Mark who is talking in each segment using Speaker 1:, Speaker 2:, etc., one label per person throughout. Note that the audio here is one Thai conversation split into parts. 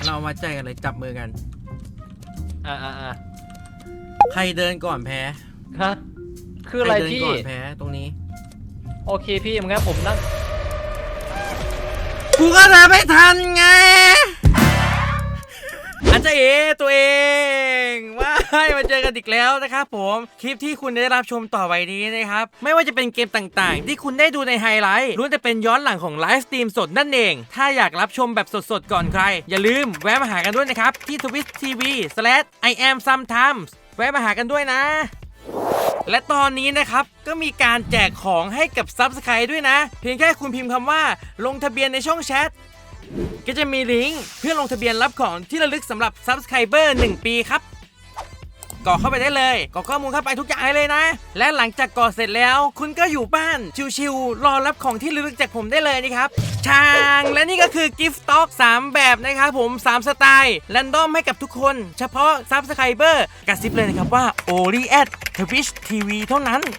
Speaker 1: เราวัดใจกันเลยจับมือกัน
Speaker 2: อ่า
Speaker 1: ใครเดินก่อนแพ้
Speaker 2: ฮะคืออะไรพี่
Speaker 1: ใครเดินก่อนแพ้ตรงนี้
Speaker 2: โอเคพี่งั้นผมนั่ง
Speaker 1: กูก็เดินไม่ทันไงอาจารย์เอตัวเองว่าให้มาเจอกันอีกแล้วนะครับผมคลิปที่คุณได้รับชมต่อไปนี้นะครับไม่ว่าจะเป็นเกมต่างๆที่คุณได้ดูในไฮไลท์ล้วนจะเป็นย้อนหลังของไลฟ์สตรีมสดนั่นเองถ้าอยากรับชมแบบสดๆก่อนใครอย่าลืมแวะมาหากันด้วยนะครับที่ twitch.tv/iamsometimes แวะมาหากันด้วยนะและตอนนี้นะครับก็มีการแจกของให้กับซับสไครต์ด้วยนะเพียงแค่คุณพิมพ์คำว่าลงทะเบียนในช่องแชทก็จะมีลิงก์เพื่อลงทะเบียนรับของที่ระลึกสำหรับ Subscriber 1 ปีครับกรอกเข้าไปได้เลยกรอกข้อมูลเข้าไปทุกอย่างเลยนะและหลังจากกรอกเสร็จแล้วคุณก็อยู่บ้านชิวๆรอรับของที่ระลึกจากผมได้เลยนะครับช่างและนี่ก็คือ Gift Stock 3 แบบนะครับผม3สไตล์แรนดอมให้กับทุกคนเฉพาะ Subscriber กระซิบเลยนะครับว่า Only at Twitch TV เท่านั้น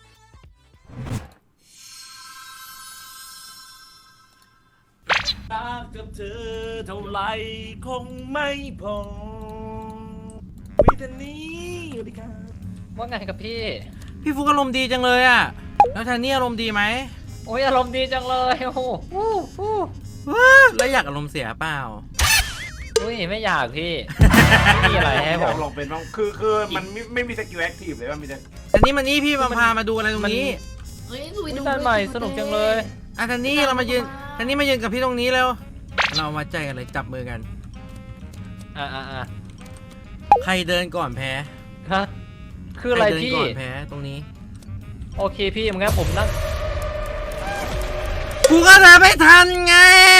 Speaker 3: รักกับเธอเท่าไรคงไม่พอวิธีนี้สวัสดีครับ
Speaker 2: ว่าไงกับ
Speaker 1: พี่ฟุกอารมณ์ดีจังเลยอะแล้วท่านนี่อารมณ์ดีไหม
Speaker 2: โอ้ยอารมณ์ดีจังเลยโอ้โห
Speaker 1: แล้วอยากอารมณ์เสียเปล่า
Speaker 2: อุ้ยไม่อยากพี่ไม่มีอะไรให้ผม
Speaker 3: ลองเป็นบ้างคือมันไม่มีสกิลแอคทีฟเลยว่ามีแต่
Speaker 1: อันนี้มันนี่พี่พามาดูอะไรตรงนี้
Speaker 2: เฮ้ยดูด้านใหม่สนุกจังเลย
Speaker 1: ท่านนี่เรามายืนท่านนี่มายืนกับพี่ตรงนี้แล้วเราวัดใจกันเลยจับมือกันใครเดินก่อนแพ้
Speaker 2: ฮะคืออะไรพี่
Speaker 1: ใครเดินก่อนแพ้ตรงนี้
Speaker 2: โอเคพี่งั้นผมนั่ง
Speaker 1: กูก็เดินไม่ทันไง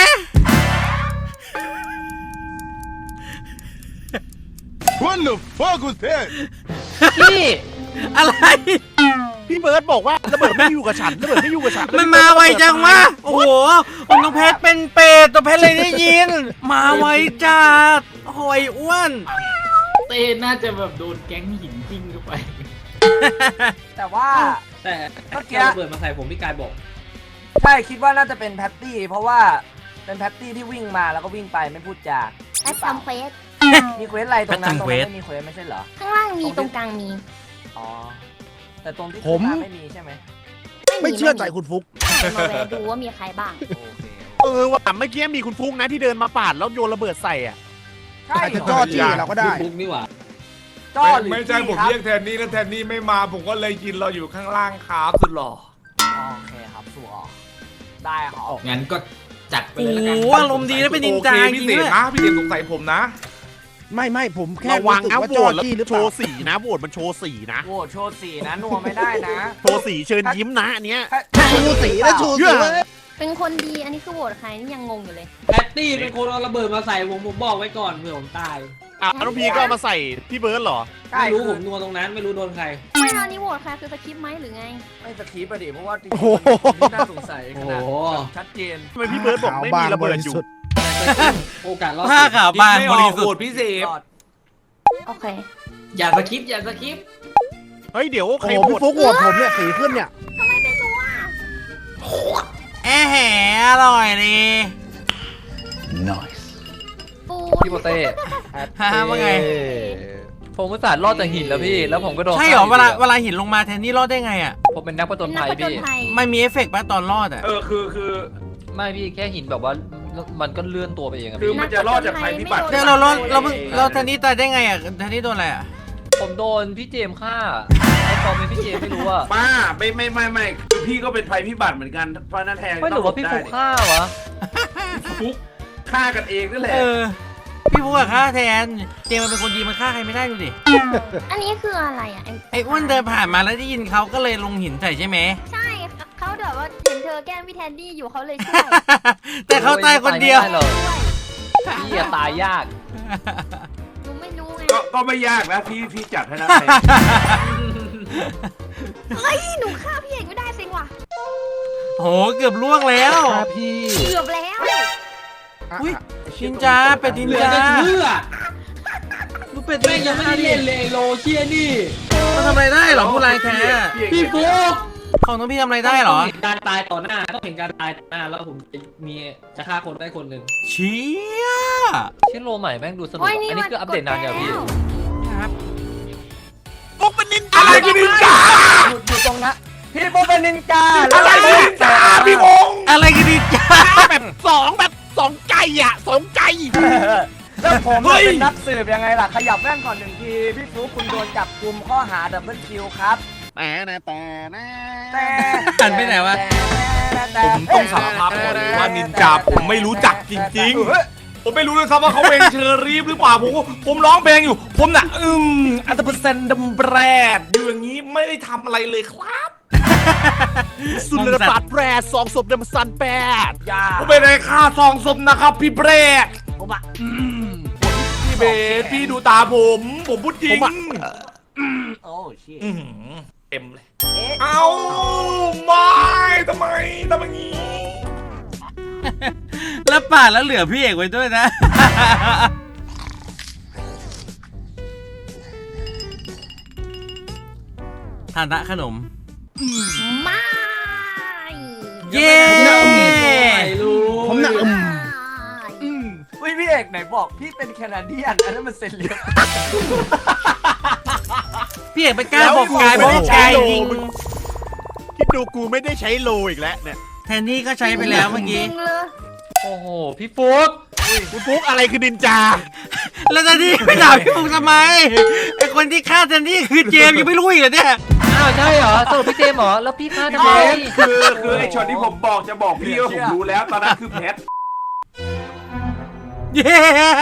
Speaker 3: What the fuck was that
Speaker 2: พี่
Speaker 1: อะไร
Speaker 3: พี่เบิร์ดบอกว่าระเบิดไม่อยู่กับฉันระเบิดไม่อยู่กับฉัน
Speaker 1: มันมาไวจังวะโอ้โหน้องเพชรเป็นเป็ดตัวเพชรเลยได้ยินมาไวจัดโอ้ยอ้วน
Speaker 4: เต้น่าจะแบบโดนแก๊งหินทิ้งเข้าไป
Speaker 5: แต่ว่า
Speaker 4: แต่เมื่อกี้ระเบิดมาใส่ผมพี่กายบอก
Speaker 5: ใช่คิดว่าน่าจะเป็นแพตตี้เพราะว่าเป็นแพตตี้ที่วิ่งมาแล้วก็วิ่งไปไม่พูดจา
Speaker 6: แอดทำเควส
Speaker 5: มีเควสอะไรตรงนั้นไม่มีเควสไม่ใช่เหรอ
Speaker 6: ข้างล่างมีตรงกลางมี
Speaker 5: อ๋อแต่ตรงที่ผมไม่มีใช่ไหม
Speaker 3: ไม่เชื่อใจคุณฟุก
Speaker 6: มาแวะดูว่ามีใครบ้าง
Speaker 3: ว่าเมื่อกี้มีคุณฟุกนะที่เดินมาปาดแล้วโยนระเบิดใส่อ่ะ
Speaker 5: ใช่
Speaker 3: จะจ่อจี้เราก็ได้
Speaker 4: ฟุกนี่หว่า
Speaker 5: จ่อ
Speaker 3: ไม่ใช่ผมเรียกแทนนี่แล้วแทนนี่ไม่มาผมก็เลยยินเราอยู่ข้างล่างครับสุดหล่อ
Speaker 5: โอเคครับสัวได้ครับ
Speaker 4: งั้นก็จัดไปเลยแล้วกัน
Speaker 1: โอ้อารมณ์ดีแล้วเป็นนินจาจริง
Speaker 3: เลยนะพี่เด่นสงสัยผมนะไม่ผมแค่วางนะโหวตแล้วโชว์สีนะโหวตมันโชว์สีนะ
Speaker 5: โหวตโชว์สีนะนัวไม่ได้นะ
Speaker 3: โชว์สีเชิญยิ้มนะอันเนี้ย
Speaker 5: โชว์สีนะโชว์สี
Speaker 6: เป็นคนดีอันนี้คือโหวตใครนี่ยังงงอยู่เลย
Speaker 4: แพตตี้เป็นคนเอาระเบิดมาใส่ผมบอกไว้ก่อนเผื่อผมตาย
Speaker 3: น้องพีก็มาใส่พี่เบิร์ดเหรอ
Speaker 4: ไม่รู้ผมนัวตรงนั้นไม่รู้โดนใคร
Speaker 6: ไม่ตอนนี้โหวตใครคือสคริปต์ไหมหรือไง
Speaker 5: ไม่สคริปต์ดิเพราะว่าจริงๆน่าสงสัยขนาดชัดเจน
Speaker 3: ทำไมพี่เบิร์ดบอกไม่มีระเบิดอยู่
Speaker 4: โอกาสรอด
Speaker 1: ผ้าขาวบางบริสุทธิ์
Speaker 3: พิเศษ
Speaker 6: โอเค
Speaker 4: อย่าสคริปต์
Speaker 3: เฮ้ยเดี๋ยวใครพี่ฟุกโหวตผมเนี่ยสีขึ้นเนี่ย
Speaker 6: ทำไมเป็นตัว
Speaker 1: แหมอร่อยดี
Speaker 2: nice
Speaker 6: ปู
Speaker 2: พี่โปเต้
Speaker 1: ว่าไง
Speaker 2: ผมอุตส่าห์รอดจากหินแล้วพี่แล้วผมก็โดน
Speaker 1: ใช่เหรอเวลาหินลงมาแทนนี่รอดได้ไงอ่ะ
Speaker 2: ผมเป็นนักผจญภัยพี่
Speaker 1: ไม่มีเอฟเฟกต์ป่ะตอนรอดอ่ะ
Speaker 3: คือ
Speaker 2: ไม่พี่แค่หินแบบว่ามันก็เลื่อนตัวไปเอง
Speaker 3: คือมันจะรอดจากภัยพิบัติ
Speaker 1: เราแทนนี่ตายได้ไงอ่ะแทนนี่โดนอะไรอ่ะ
Speaker 2: ผมโดนพี่เจมฆ่าไอ้ตอนเป็นพี่เจมไม่รู้อ่ะ
Speaker 3: ป้าไม่คือพี่ก็เป็นภัยพิบัติเหมือนกันเพราะนั่นแทง
Speaker 2: ไม่หรือว่าพี่ฟุกฆ่าวะ
Speaker 3: ฟุกฆ่ากันเองนั่นแหละ
Speaker 1: พี่ฟุกอะฆ่าแทนเจมมันเป็นคนดีมันฆ่าใครไม่ได้ดูดิ
Speaker 6: อันนี้คืออะไรอ่ะ
Speaker 1: ไอ้อ้วนเดินผ่านมาแล้วได้ยินเขาก็เลยลงหินใส่ใช่ไหม
Speaker 6: ใช่เขาแบบว่าเห็นเธอแกล้งพี่แทนดี้อยู่เขาเลยช่วย
Speaker 1: แต่เขาตายคนเดียว
Speaker 2: พี่ตายยาก
Speaker 6: หนูไม่รู้ไง
Speaker 3: ก็ไม่ยากนะพี่จัดให้นะ
Speaker 6: เฮ้ยหนูฆ่าพี่เอกไม่ได้สิว่ะ
Speaker 1: โหเกือบล่วงแล้ว
Speaker 3: พี่
Speaker 6: เกือบแล้ว
Speaker 1: อุ้ยนินจาเป็ดนินจาดูเป็ด
Speaker 4: แม่งยังไม่ได้เล่นเลยโลเชียนี่
Speaker 1: มันทำอะไรได้หรอผู้ร้ายแท้
Speaker 4: พี่ฟุก
Speaker 1: ของน้องพี่ทำอะไรได้เหรอ
Speaker 2: ต้องเห็นการตายต่อหน้าต้องเห็นการตายต่อหน้าแล้วผมจะฆ่าคนได้คนหนึ่ง
Speaker 1: เชี่ย
Speaker 2: ชื่อโลใหม่แม่งดูสนุก
Speaker 6: โอ้ย
Speaker 2: อันนี้คืออัปเดตนานอย่างพี่
Speaker 1: ครับ
Speaker 3: อะไรกันนินจา
Speaker 5: อยู่ตรงนั้นพี่โบเป็นนินจา
Speaker 3: อะไรกันนินจาพี่พงษ์
Speaker 1: อะไรกันดีจ้า
Speaker 3: แบบสองใจอ่ะสองใจ
Speaker 5: แล้วผมเนี่ยเป็นนักสืบยังไงล่ะขยับแว่นก่อนหนึ่งทีพี่ฟลุ๊กคุณโดนจับกุมข้อหาดับเบิลคิวครับแต่
Speaker 1: หันไปไหนวะ
Speaker 3: ผมต้องสารภาพก่อนเลยว่านินจาผมไม่รู้จักจริงๆ ผมไม่รู้เลยครับว่าเขาเป็นเชอรี่หรือเปล่าผมร้องเพลงอยู่ ผมน่ะอันตรเซนดัมแบรดอยู่อย่างนี้ไม่ได้ทำอะไรเลยครับ สุนทรปาดแปรสองศพเดมซันแปด
Speaker 5: อย่า
Speaker 3: ผมไม่ได้ฆ่าสองศพนะครับพี่แบรด
Speaker 5: ผมอะ
Speaker 3: พี่เบสพี่ดูตาผมพูดจริง
Speaker 5: โอ้ชิ
Speaker 3: อื้อหือเต็มเลย
Speaker 5: เอ๊ะ
Speaker 3: เอาไม่ทำไมอย่างนี้
Speaker 1: แล้วปาดแล้วเหลือพี่เอกไว้ด้วยนะ ทานทะขนม
Speaker 6: ไม่
Speaker 1: เย้
Speaker 6: ผมหนัก
Speaker 5: อุ้ยพี่เอกไหนบอกพี่เป็นแคนาเดียนอันนั้นมันเซนเลีย
Speaker 1: พี่เอกไปกล้าบอกกายเพราะว่ากายยิง
Speaker 7: คิดดูกูไม่ได้ใช้โลอีกแล้วเนี่ย
Speaker 1: แทนที่ก็ใช้ไปแล้วเมื่อกี้
Speaker 6: จริงเลย
Speaker 2: โอ้โหพี่ฟุ๊ก
Speaker 7: คุณฟุกอะไรคือนินจา
Speaker 1: แล้วแทนที่ไม่ด่าพี่ฟุกทำไมไอคนที่ฆ่าแทนที่คือเจมส์ยังไม่รู้อีกเหรอเนี่ย
Speaker 2: อ้าวใช่เหรอสรุปพี่เจมส์เหรอแล้วพี่ฆ่าทำไม
Speaker 3: คือไอ้ช็อตที่ผมจะบอกพี่ว่าผมรู้แล้วตอนนั้นคือเพชร
Speaker 1: เย้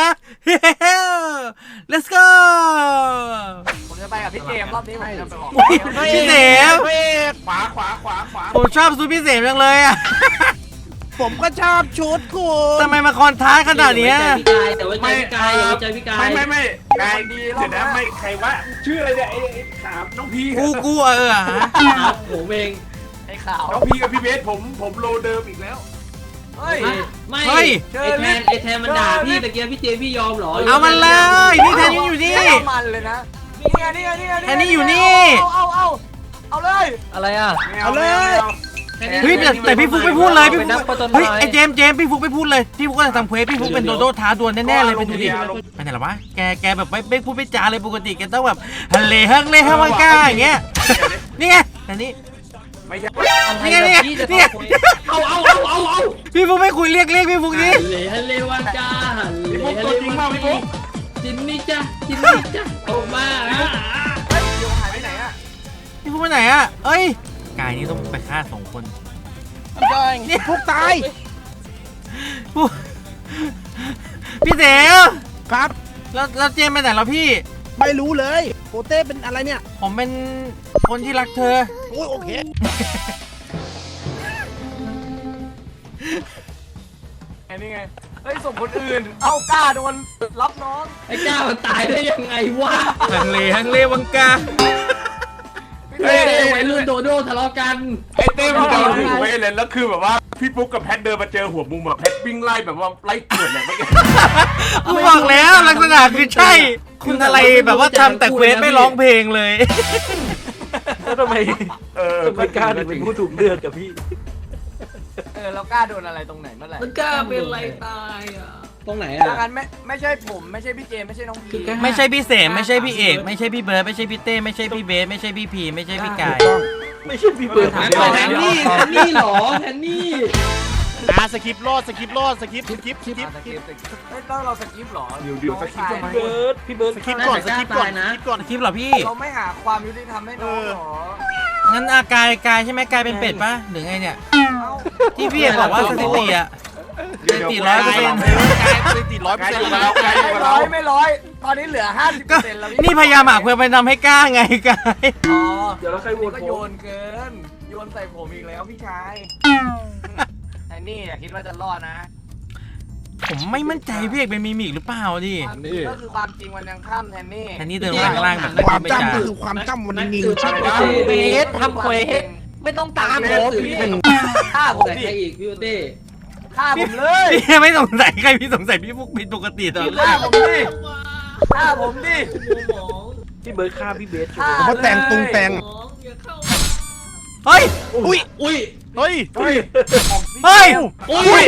Speaker 1: let's go
Speaker 5: ผมจะไปกับพี่เกมรอบนี้ผมจะไปบอก
Speaker 1: พี่เสม
Speaker 3: ขวา
Speaker 1: ผมชอบซูพี่เสมจังเลยอ่ะ
Speaker 7: ผมก็ชอบชุดคุณ
Speaker 1: ทำไมมาคอนท้าขนาดเนี้ย
Speaker 2: แต่ว่าใจพี่กายอย่าไว้ใจพี่กาย
Speaker 3: ไม่นายดีเดี๋ยวนะไม่ใครว่าชื่ออะไรเนี่ยไอ้ขามน้องพี
Speaker 1: กูฮะ
Speaker 2: ครับผมเอง
Speaker 5: ไอ้ขาว
Speaker 3: น้องพีกับพี่เบสผมโลเดิมอีกแล้ว
Speaker 5: เฮ้ย
Speaker 2: ไม่
Speaker 1: เฮ้ย
Speaker 2: ไอแทนมันด่าพี่ตะเกียบพี่เจมส์พี่ยอมเหรอ
Speaker 1: เอามันเลยนี่แทนนี่อยู่นี่
Speaker 5: เอามันเลยนะนี่ไง
Speaker 1: แทนนี่อยู่นี่
Speaker 5: เอาเลย
Speaker 2: อะไรอ่ะ
Speaker 7: เอาเลย
Speaker 1: เฮ้ยแต่พี่ฟุกไม่พูดเลยพี่ฟุ
Speaker 2: เป็นนั
Speaker 1: ก
Speaker 2: กผจญภัย
Speaker 1: เฮ้ยไอเจมส์พี่ฟุกไม่พูดเลยพี่ฟุกก็จะทำเควสพี่ฟุกเป็นโดโดท้าดวลแน่ๆเลยไปดูดิไปไหนหรอวะแกแบบไม่พูดไม่จาเลยปกติแกต้องแบบฮัลเลฮักเลฮักมังกาอย่างเงี้ยนี่ไงแต่นี่
Speaker 3: ไม่ใช่
Speaker 1: นี่ไงนี่ไงนี่ไง
Speaker 3: เอา
Speaker 1: พี่ฟุกไม่คุยเรียกพี่ฟุกนี่
Speaker 2: ฮัลเลวันจ้าฮัล
Speaker 3: พี่
Speaker 2: เล
Speaker 3: ฟุกตัวจริงมากพี่ฟุก
Speaker 2: จินนี่จ้าออกมา
Speaker 5: เฮ้ยเดี๋ยวหายไปไหนอะ
Speaker 1: พี่ฟุกไปไหนอ่ะเอ้ยกายนี่ต้องไปฆ่า2 คนนี่
Speaker 7: ฟุกตาย
Speaker 1: ฟุกพี่เสว
Speaker 7: ครับ
Speaker 1: แล้วเจมส์ไปไหนแล้วพี่
Speaker 7: ไม่รู้เลยโปเต้เป็นอะไรเนี่ย
Speaker 1: ผมเป็นคนที่รักเธอ
Speaker 7: โอ้ยโอเค
Speaker 5: นี่ไงเฮ้ยส่งคนอื่นเอากล้าโดนรับน้อง
Speaker 2: ไอ้เจ้ามันตายได้ยังไงวะ
Speaker 1: ฮังเลวังกา
Speaker 2: เฮ้ยวัยรุ่นโดโดทะเลาะกัน
Speaker 3: ไอ้เต้มันเดินหัวไปเลยแล้วคือแบบว่าพี่ฟุกกับแพทเดินมาเจอหัวมุมแบบแพทวิ่งไล่แบบว่าไล่เกิดเลยเมื่อกี้
Speaker 1: กูบอกแล้วลักษณะคือใช่ คุณอะไรแบบว่าทำแต่เควสไม่ร้องเพลงเลย
Speaker 3: แล้วทำไมไม่กล้าถึงเป็นผู้ถูกเลือกกับพี่
Speaker 5: เรากล้าโดนอะไรตรงไหนเมื่อไหร่
Speaker 2: มันกล้าเป็นไรตายอ่ะตรงไหน
Speaker 5: ดั
Speaker 2: อ่ะ
Speaker 5: งนั้นไม่ใช่ผมไม่ใช่พี่เจมไม่ใช่น้องพี
Speaker 1: ไม่ใช่พี่เสมไม่ใช่พี่เอกไม่ใช่พี่เบิร์ดไม่ใช่พี่เต้ไม่ใช่พี่เบสไม่ใช่พี่พีไม่ใช่พี่กาย
Speaker 3: ไม่ใช่พี่เบิร์ด
Speaker 2: แทนนี่เหรอแทนนี่
Speaker 7: สคริปต์รอดสคริปต์รอดสคริปต์สคริปต์สคริปต์
Speaker 5: ไม่ต้องเราสกิปหรอ
Speaker 3: เดี๋ยวสกิปทำไม
Speaker 7: พี่เบิร์ดสคริปต์ก่อนสคริปต์ก่อนสคริปต์ก่อน
Speaker 1: คลิปเหรอพี่
Speaker 5: เราไม่หาความยุติธรรมให้น้องหรอ
Speaker 1: งั้นอากายใช่ไหมกายเป็นเป็ดปะหรือไงเนี่ยที่พี่เอกบอกว่าสถิติอะสถิติ100%
Speaker 7: กายสถิติ100%แล้ว
Speaker 5: ไม่ร้อยตอนนี้เหลือ
Speaker 1: ก็
Speaker 5: 50%แล้ว
Speaker 1: นี่พยายามหาเพื่อไปทำให้กล้าไงกาย
Speaker 5: อ๋อ
Speaker 3: เดี๋ยวเราใครโหวต
Speaker 5: ก็
Speaker 3: ผ
Speaker 5: โย
Speaker 3: ม
Speaker 5: นเกินโยนใส่ผมอีกแล้วพี่ชายไอ้นี่อย่าคิดว่าจะรอดนะ
Speaker 1: ผมไม่มั่นใจพี่เอกเป็นมิมิกหรือเปล่าดิ
Speaker 5: ก็คือความจริงมันยังข้ามแทนนี่
Speaker 1: แทนนี่เดินล่างแบบไม่
Speaker 7: ความ
Speaker 1: ไม่
Speaker 7: จำ
Speaker 1: จ่า
Speaker 7: คือความจำมันนิ่ง
Speaker 2: เบสทำเควสไม่ต้องตามผม
Speaker 5: ฆ่าผม
Speaker 2: แต่
Speaker 5: ดิ
Speaker 2: ใครอีกพี่โอเต้
Speaker 5: ฆ่าผมเลย
Speaker 1: พี่ไม่สงสัยใครพี่สงสัยพี่ฟุกผิดปกติตลอด
Speaker 5: ฆ่าผมดิฆ่าผมดิ
Speaker 3: พี่เบิร์ดฆ่าพี่เบส
Speaker 5: ฆ่า
Speaker 7: เพราะแต่งตุงแต่ง
Speaker 1: โเฮ้ย
Speaker 7: อุ้ย
Speaker 2: อุ้ย
Speaker 7: เฮ้ย
Speaker 1: เฮ้ย
Speaker 2: อุ้ย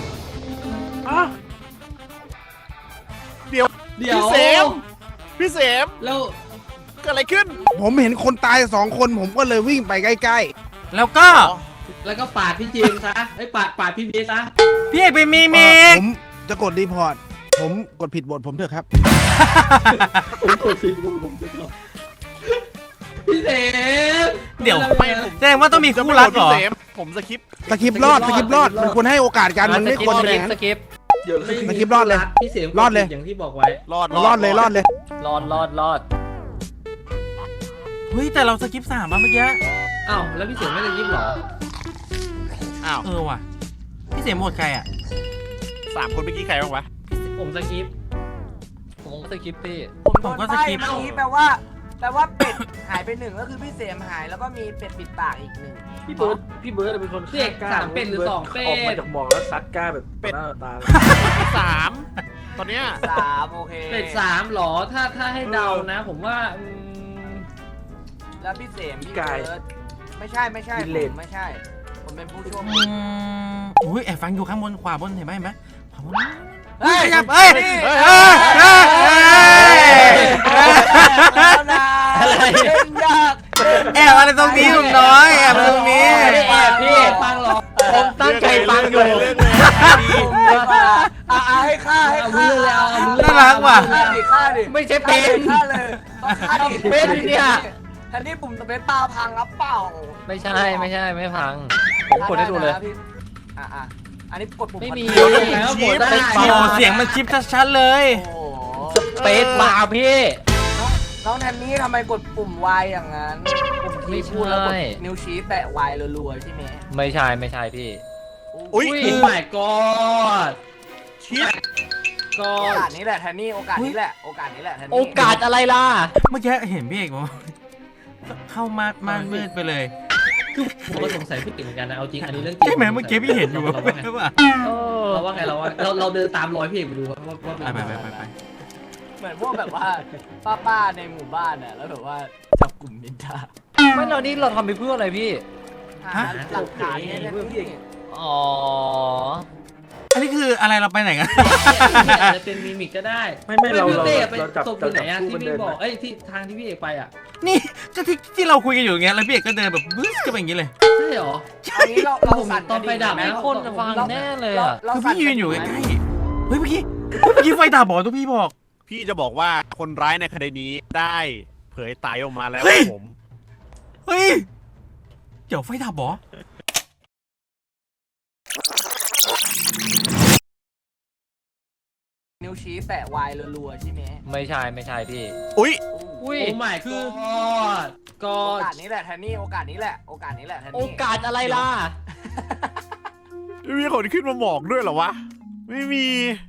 Speaker 7: เดี๋ยว
Speaker 2: เดี๋ยว
Speaker 7: พี่เสม
Speaker 2: แล้ว
Speaker 7: เกิดอะไรขึ้น
Speaker 8: ผมเห็นคนตาย2 คนผมก็เลยวิ่งไปใกล้
Speaker 1: แล้วก็
Speaker 2: แล้วก็ปาดพี่เจมส์ซะไอ้ยปาดพี่เบสซะ
Speaker 1: พี่เอกเป็นมีมิก
Speaker 8: ผมจะกดรีพอร์ต ผมกดผิดบทผมเถอะครับ
Speaker 2: พี่เสม
Speaker 1: เดี๋ยว
Speaker 7: ไม่ผม
Speaker 1: แสดงว่าต้องมีคู่รักเหรอ
Speaker 7: พี่เสมผมสคิป
Speaker 8: สกิปรอดมันควรให้โอกาสกันมันไม่ควรเป็นอย่างนั้น
Speaker 5: สกิป
Speaker 8: สคริปต์รอดเลย
Speaker 2: พี่เสม
Speaker 8: รอดเลย
Speaker 2: อย่างที่บอกไว้
Speaker 7: รอด
Speaker 8: รอดเลย
Speaker 5: รอด
Speaker 1: เฮ้ยแต่เราสกิป3มาเมื่อกี้
Speaker 2: อ้าวแล้วพี่เสมไม่ได้ยิบเหรอ
Speaker 7: อ้าว
Speaker 1: เออว่ะพี่เสมหมดใครอ่ะ
Speaker 7: 3 คนเมื่อกี้ใครบ้างวะ
Speaker 2: ผมสกิป
Speaker 5: ผมสกิปพี่
Speaker 1: ผมก็สกิป
Speaker 5: เมื่อกี้แปลว่าเป็ดหายไป1ก็คือพี่เสมหายแล้วก็มีเป็ดปิดปากอีก1
Speaker 4: พี่เบิร์ดเป็นคน
Speaker 2: พี่เอก3เป็ดหรือ2เป็ด
Speaker 4: ออกมาจากหมอกแล้วซัดกล้าแบบหน้าตา
Speaker 7: 3 ตอนเนี้ย
Speaker 5: 3โอเค
Speaker 2: เป็ด3หรอถ้าให้เดานะ ผมว่า
Speaker 5: แล้วพี่เสมพี่เบิร์ดไม่ใช่ผมไม่ใช่ ผมเป็นผู้โชค
Speaker 1: อื
Speaker 5: ดี
Speaker 1: มอุ้ยแอบฟังอยู่ข้างบนขวาบนเห็นไหมขวาบน
Speaker 5: เฮ้ย
Speaker 1: ขยับเอ้ย
Speaker 5: แล้วนะเล่นยาก
Speaker 1: แอบอะไรตรงนี้ลุงน้อยแอบอะไรตรงนี้
Speaker 2: ไม่ได้แอบพี่ฟังหรอก
Speaker 5: ผมตั้งใจฟังอยู่
Speaker 7: เรื่องเลย
Speaker 5: ให้ฆ่า
Speaker 1: น่ารักว่ะ
Speaker 5: ฆ่าดิ
Speaker 2: ไม่ใช่เป็น
Speaker 5: ฆ่าเลยฆ่าดิ
Speaker 2: เป็นเนี่ย
Speaker 5: ทันนี้ปุ่มสเปซปาพังครับเปล่า
Speaker 9: ไม่ใช่ไม่พัง ผมกดให้ดูเลย
Speaker 5: อันนี้กดปุ่ม
Speaker 9: ไม่มี
Speaker 2: แล้วกดได้
Speaker 1: โอ้เสียงมันชิปชัดๆเลย
Speaker 5: โอ้โห
Speaker 9: เปซบาร์พี่
Speaker 5: น้องแทนนี่ทำไมกดปุ่ม Y อย่างนั้นปุ่มที่พูดแล้วกดนิ้วชี้แตะ Y รัวๆใช่ไหม
Speaker 9: ไม่ใช่พี่
Speaker 7: อุ้ย
Speaker 2: โอ้ my god
Speaker 7: ชิป
Speaker 2: ก็
Speaker 5: โอกาสนี้แหละแทนนี่โอกาสนี้แหละแทนนี่
Speaker 9: โอกาสอะไรล่ะ
Speaker 1: เมื่อกี้เห็นพี่เอกบอกเข้ามาม่านมืดไปเลย
Speaker 2: คือผมก็สงสัยพี่ติ๋งเหมือนกันนะเอาจริงอันนี้เรื่องจริง
Speaker 1: ใช่ไหมเมื่อกี้พี่เห็นอยู่
Speaker 2: เราว่าไง
Speaker 1: ใช่ป่ะ
Speaker 2: เราว่าไงเราเดินตามรอยพี่เอกไปดูว่าเป็น
Speaker 1: ไป
Speaker 5: เหมือนพวกแบบว่าป้าในหมู่บ้านน่ะแล้วแบบว่าจับกลุ่มนินทา
Speaker 9: ไม่เรานี่เราทำไปเพื่ออะไรพี่
Speaker 5: หาหลักฐานเนี่ยนะพี่
Speaker 9: อ๋อ
Speaker 1: อันนี้คืออะไรเราไปไหนกัน
Speaker 2: อาจจะเป็นมิมิกก็ได้
Speaker 4: ไม่เรา
Speaker 2: พี่เต้ไป
Speaker 4: จับ
Speaker 2: ตกอยู่ไหนอะ
Speaker 4: คู่
Speaker 2: ที่
Speaker 4: มัน
Speaker 2: พี่
Speaker 4: เดิน
Speaker 2: บอกเอ้ยที่ทางที่พี่เอกไปอะ
Speaker 1: นี่ก็ที่เราคุยกันอยู่อย่างเงี้ยแล้วพี่เอกก็เดินแบบบึ้สก็เป็นอย่างงี้เลย
Speaker 2: ใช่หรอ
Speaker 5: อันนี้เรา
Speaker 2: ผม
Speaker 5: สั่น
Speaker 2: ตอนไฟดับ
Speaker 9: มีคนฟังแน่เลยอ่ะ
Speaker 1: คือพี่ยืนอยู่ใกล้ๆเฮ้ยเมื่อกี้ไฟดับบอกทุกพี่บอก
Speaker 7: พี่จะบอกว่าคนร้ายในคดีนี้ได้เผยไตออกมาแล้ว
Speaker 1: เฮ้ย
Speaker 7: ผม
Speaker 1: เฮ้ยเดี๋ยวไฟดับเหรอ
Speaker 5: นิ้วชี้แตะ Y รัวๆใช่ไหม
Speaker 9: ไม่ใช่พี่
Speaker 7: อุ้ย
Speaker 9: อุ้ย
Speaker 2: โอ้ my god ก็
Speaker 5: โอกาสนี้แหละแทนนี่โอกาสนี้แหละแทนนี่
Speaker 9: โอกาสอะไรล่ะ
Speaker 7: ไม่มีคนขึ้นมาหมอกด้วยเหรอวะ ไม่มี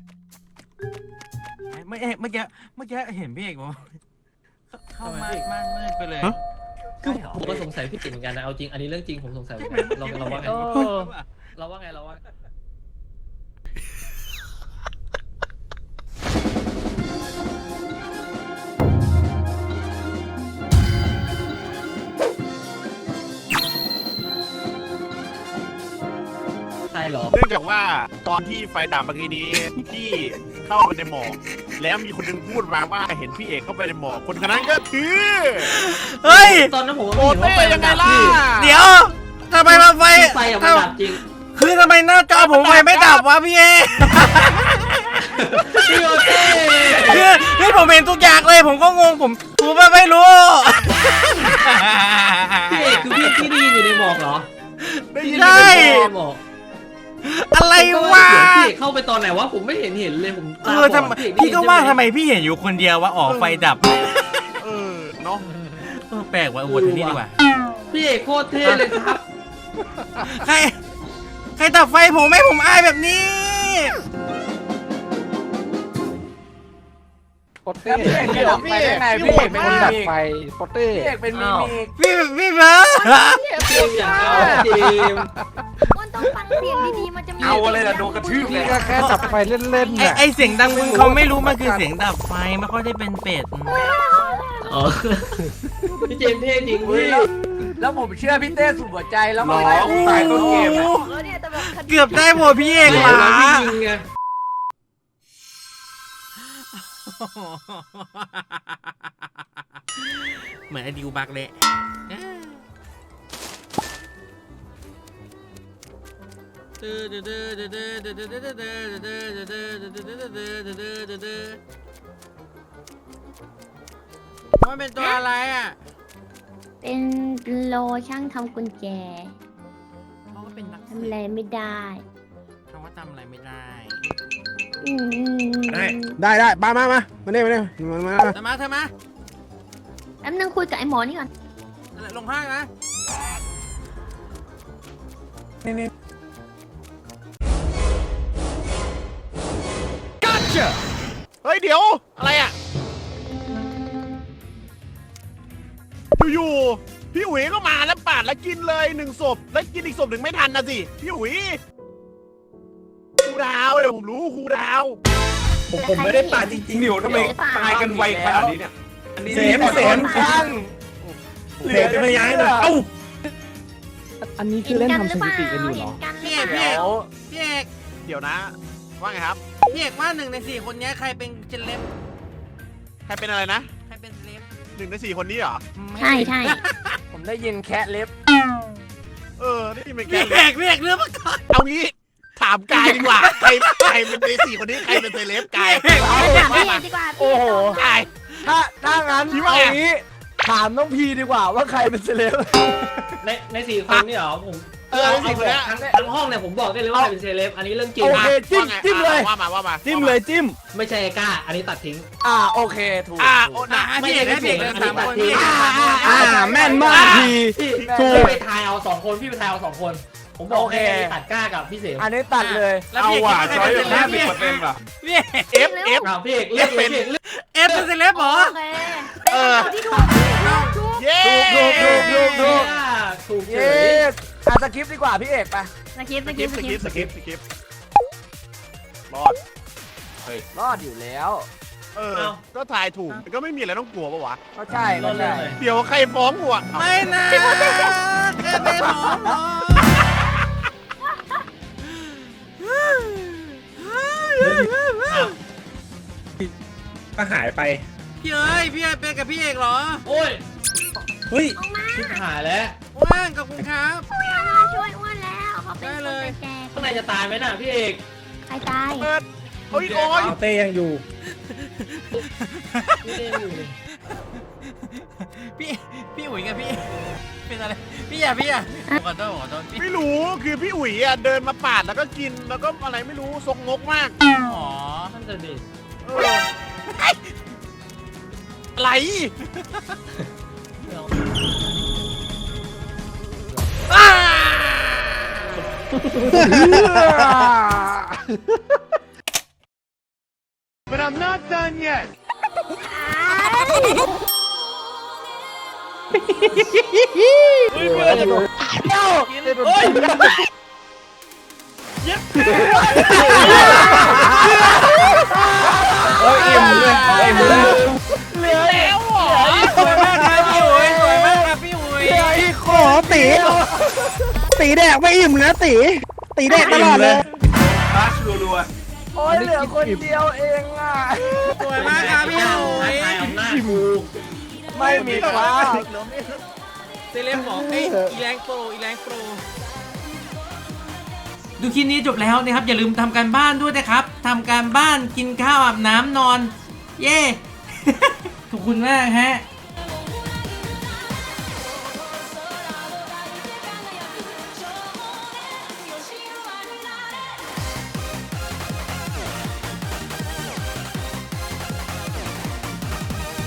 Speaker 1: เมื่อกี้เห็นพี่เอกบอกเข้ามาม่านมืดไปเลย
Speaker 7: ฮะ
Speaker 2: คือผมก็สงสัยพี่ติ๋งเหมือนกันนะเอาจริงอันนี้เรื่องจริงผมสงสัยเหมือนกันเราว่าไง
Speaker 9: เออ
Speaker 2: เราว่าไงใช่เหรอ
Speaker 7: เนื่องจากว่าตอนที่ไฟดับเมื่อกี้นี้พี่เข้าไปในหมอกแล้วมีคนหนึงพูดมาว่าเห็นพี่เอกเข้าไปในหมอกคนคนนั้นก็คือ
Speaker 1: เฮ้ย
Speaker 2: ตอนนั้นผม
Speaker 7: โอ
Speaker 2: ไม่เห็นว่า
Speaker 7: เต้
Speaker 2: ไฟ
Speaker 7: ยังไงล่ะ
Speaker 1: เดี๋ยวทำไมมาไฟ
Speaker 2: ไฟอะมันดับจริง
Speaker 1: คือทำไมหน้าจอผมไฟไม่ดับวะพี่เอ
Speaker 2: พี่โอเต้
Speaker 1: คือผมเห็นทุกอย่างเลยผมก็งงผมไม่รู้
Speaker 2: พี่เอกคือพี่ได้ยินอยู่ในหมอกเหรอ
Speaker 7: ได้ยิน
Speaker 1: ใช่
Speaker 2: ในหมอก
Speaker 1: อะไรวะ
Speaker 2: พี่เอกเข้าไปตอนไหนวะผมไม่เห็นเลยผมตาบอด
Speaker 1: ทำไมพี่ก็ว่าทำไมพี่เห็นอยู่คนเดียวว่าออกไฟดับ
Speaker 7: เออเนาะ
Speaker 1: แปลกว่ะโหวตที่นี่ดีกว่า
Speaker 2: พี่เอกโคตรเท่เลยครับ
Speaker 1: ใครดับไฟผมให้ผมอายแบบนี้
Speaker 5: โปเต้พี่เอกจะดับไฟได้ไงพี่เอกเป็นคนดับไฟโปเต้พี่เอกเป็นมิมิก
Speaker 1: พี่เบิร์ด
Speaker 2: เท่อย่างเอาจริง
Speaker 6: มันต้องฟังเสียงดีๆมันจะมี
Speaker 3: เอาอะไรล่ะโดนกระทืบเลย
Speaker 8: ก็แค่จับไฟเล่นๆน่ะ
Speaker 1: ไอเสียงดังมึงเขาไม่รู้มันคือเสียงดับไฟไม่ค่อยได้เป็นเป็ด
Speaker 2: อ๋อพี่เจมส์เท่จริง
Speaker 5: เฮ้ย
Speaker 2: พี่
Speaker 5: แล้วผมเชื่อพี่เต้สุดหัวใจแล้ว
Speaker 3: น้
Speaker 5: มา
Speaker 3: องตายต้นเกมอะ
Speaker 6: แล้วเนี่ยแต่แบบคดี
Speaker 1: เกือบได้โหวตพี่เอกห
Speaker 2: เว
Speaker 1: ลา
Speaker 2: ลาพี่ยิงไง
Speaker 1: เหมือนไอดิวบักเลยมันเป็นตัวอะไรอ่ะ
Speaker 6: เป็นโลช่างทำกุญแจ
Speaker 1: เพราะว่าเป็นนัก
Speaker 6: ทำอะไรไม่ได้
Speaker 1: เพราะว่าทำอะไรไม่ได้
Speaker 6: อืม
Speaker 8: ได้มาเนี่ยมา
Speaker 1: เธอมา
Speaker 6: แป๊บนึงคุยกับไอ้หมอนี่ก่อน
Speaker 1: ลงข้างนะ
Speaker 7: เฮ้ยเดี๋ยวอะไรอ่ะอยู่ๆพี่อุ๋ยก็มาแล้วปาดแล้วกินเลย1 ศพแล้วกินอีกศพหนึ่งไม่ทันนะสิพี่อุ๋ยครูดาวเดี๋ยวผมรู้ครูดาว
Speaker 3: ผมไม่ได้ตายจริงๆเดี๋ยวทำไมตายกันไวขนาดนี้เนี่ยอันนี้เสมข้างเหลือจะไม่ย้ายเลยเอ้า
Speaker 8: อันนี้คือเล่นทำสถิติกันอยู่เหรอ
Speaker 1: พี่เอก
Speaker 5: เดี๋ยว
Speaker 1: พี่เอก
Speaker 7: เดี๋ยวนะ ว่าไงครับ
Speaker 1: พี่เอกว่า1 ใน 4 คนนี้ใครเป็นเจนเล็บ
Speaker 7: ใครเป็นอะไรนะ
Speaker 1: ใครเป็นเล็บ
Speaker 7: 1 ใน 4 คนนี้เหรอ
Speaker 6: ใช่ใช่
Speaker 5: ผมได้ยินแคะเล็บ
Speaker 7: นี่เป็นแก
Speaker 1: พี่เอกเรื่องมาก่อน
Speaker 7: เอางี้ถามกายดีกว่าใครเป็นใน4 คนนี้ใครเป็นเซเลบกาย
Speaker 6: ถามพี่เอกดีกว่าพี่เอกตอบ
Speaker 7: กาย
Speaker 5: ถ้างั้น
Speaker 7: คิดว่า
Speaker 5: เอา
Speaker 7: ไง
Speaker 5: งี้ถามน้องพีดีกว่าว่าใครเป็นเซเลบ
Speaker 2: ใน4 คนนี่เหรอผม
Speaker 7: ใน4 คนนี้
Speaker 2: ทั้งห้องเนี่ยผมบอกได้เลยว่าใครเป็นเซเลบอันนี้เรื่องจริง
Speaker 5: โอเคจิ้มเลย
Speaker 7: ว่ามา
Speaker 8: จิ้มเลยจิ้ม
Speaker 2: ไม่ใช่ไอ้ก้าอันนี้ตัดทิ้ง
Speaker 5: โอเคถูก
Speaker 7: โอ้นะ
Speaker 1: พี่เอกให้พี่เอกเลย3 คนพี่
Speaker 8: แม่นมากที ถูก
Speaker 2: พี่ไปทายเอา2 คนพี่ไปทายเอา2 คน ผมบอกให้ตัดก้ากับพี่เสม
Speaker 5: อันนี้ตัดเลย
Speaker 1: แล้ว
Speaker 3: เอา
Speaker 1: พี่เอก
Speaker 3: ว่ะ
Speaker 1: คิด
Speaker 3: ช้อย
Speaker 1: ว่าใคร
Speaker 3: แค่
Speaker 1: เป็นเซเลบ
Speaker 3: 10%ว่ะ
Speaker 1: พี่
Speaker 7: เอฟ
Speaker 2: เอาพี่เอกเลือกเลยพี่เอกเลือก
Speaker 1: เอฟเป็นเซเลบเหรอ
Speaker 6: โอเคเป็นคำที่ถูกถูก
Speaker 7: เย้
Speaker 5: ถูก
Speaker 2: ถูกเฉ
Speaker 5: เย้
Speaker 2: ย
Speaker 5: สคริปต์ดีกว่าพี่เอกไป
Speaker 6: สกิป
Speaker 7: สกิปรอด
Speaker 5: รอดอยู่แล้ว
Speaker 7: ก็ทายถูกก็ไม่มีอะไรต้องกลัวปะวะ
Speaker 5: ก็ใช่ก็ใช่
Speaker 7: เดี๋ยวใครฟ้องกูอ่ะ
Speaker 1: ไม่นะแค่ไม่หมอหรอ
Speaker 3: ก็หายไป
Speaker 1: พี่เอ้ยพี่เอกเป็นกับพี่เอกเหรอ
Speaker 2: โอ้ย
Speaker 3: เฮ้ย
Speaker 2: ชิบหายแล้ว
Speaker 1: ว่างกับคุณครับ
Speaker 6: มาช่วยอ้วนแล้วเขาเป็นคนแก่
Speaker 2: ข้างในจะตายไหมน่ะพี่เอก
Speaker 6: ใครตาย
Speaker 7: เปิดโอ้ย
Speaker 3: เต้ยังอยู่
Speaker 2: ไม่ได้อยู่เลย
Speaker 1: พี่อุ๋ยกับพี่เป็นอะไรพี่อย่าขอโทษพี่
Speaker 7: ไม่รู้คือพี่อุ๋ยอ่ะเดินมาปาดแล้วก็กินแล้วก็อะไรไม่รู้ทรงงกมาก
Speaker 1: อ๋อ
Speaker 2: นั่นจะดิ
Speaker 7: อะไร But I'm not done yet
Speaker 3: อิ่มเลยอิ่มเลย
Speaker 7: เหลือแล้วเหรอ
Speaker 1: สวยมากครับพี่อุ๋ยสวยมากครับพี่อุ๋ย
Speaker 8: ขอตีแดกไม่อิ่มนะตีแดกตลอดเลย
Speaker 3: รัชรัว
Speaker 5: โอ้ยเหลือคนเดียวเองอ่ะ
Speaker 1: สวยมากครับพี่อุ๋ย
Speaker 2: ทายอำนาจกู
Speaker 5: ไม่มีครับ
Speaker 1: เซเลบบอกเอ้ยอีแรงโปรดูคลิปนี้จบแล้วนะครับอย่าลืมทำการบ้านด้วยนะครับทำการบ้านกินข้าวอาบน้ำนอน เย้ ขอบคุณมากฮะ